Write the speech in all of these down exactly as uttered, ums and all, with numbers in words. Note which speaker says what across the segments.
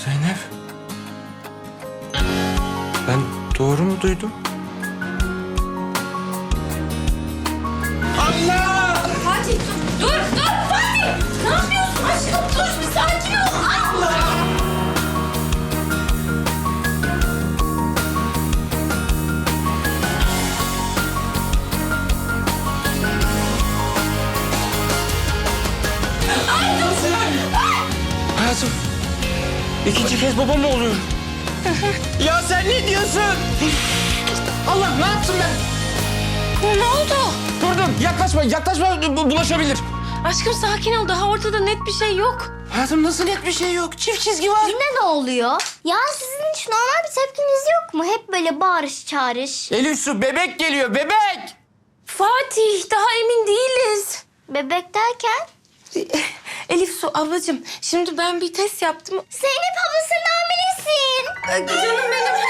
Speaker 1: Zeynep. Ben doğru mu duydum? Allah!
Speaker 2: Fatih dur, dur, dur Fatih! Ne yapıyorsun aşkım? Dur bir sakin ol. Allah! Ay dur!
Speaker 1: Hayatım, ikinci kez baba mı oluyorum? Ya sen ne diyorsun? Allah, ne yaptım ben?
Speaker 2: Ne oldu?
Speaker 1: Durdum, yaklaşma, yaklaşma, bu- bulaşabilir.
Speaker 2: Aşkım sakin ol. Daha ortada net bir şey yok.
Speaker 1: Hayatım nasıl net bir şey yok? Çift çizgi var.
Speaker 3: Yine ne oluyor? Ya sizin hiç normal bir tepkiniz yok mu? Hep böyle bağırış çağırış.
Speaker 1: Elif Su, bebek geliyor, bebek!
Speaker 2: Fatih daha emin değiliz.
Speaker 3: Bebek derken?
Speaker 2: Elif Su ablacığım şimdi ben bir test yaptım.
Speaker 3: Zeynep ablasının hamilesin.
Speaker 2: Canım benim.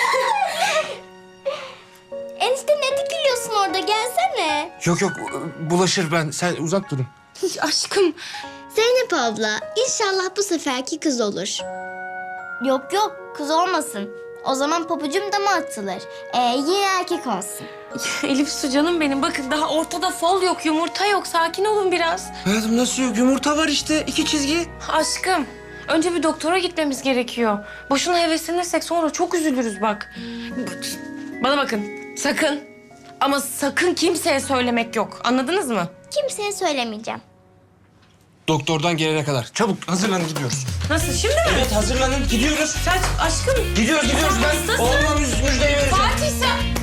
Speaker 3: Enişte ne dikiliyorsun orada? Gelsene.
Speaker 1: Yok yok, bulaşır ben. Sen uzak durun.
Speaker 2: Aşkım.
Speaker 3: Zeynep abla, inşallah bu seferki kız olur. Yok yok, kız olmasın. O zaman pabucum dama atılır. Ee, yine erkek olsun.
Speaker 2: Elif Su canım benim. Bakın daha ortada fol yok, yumurta yok. Sakin olun biraz.
Speaker 1: Hayatım nasıl yok? Yumurta var işte, iki çizgi.
Speaker 2: Aşkım önce bir doktora gitmemiz gerekiyor. Boşuna heveslenirsek sonra çok üzülürüz bak. Bana bakın sakın ama sakın kimseye söylemek yok. Anladınız mı?
Speaker 3: Kimseye söylemeyeceğim.
Speaker 1: Doktordan gelene kadar. Çabuk hazırlanın, gidiyoruz.
Speaker 2: Nasıl şimdi mi?
Speaker 1: Evet, hazırlanın, gidiyoruz.
Speaker 2: Sen aşkım.
Speaker 1: Gidiyoruz, gidiyoruz. Ben
Speaker 2: Hastasın.
Speaker 1: oğluma müjdeyi vereceğim.
Speaker 2: Fatih sen.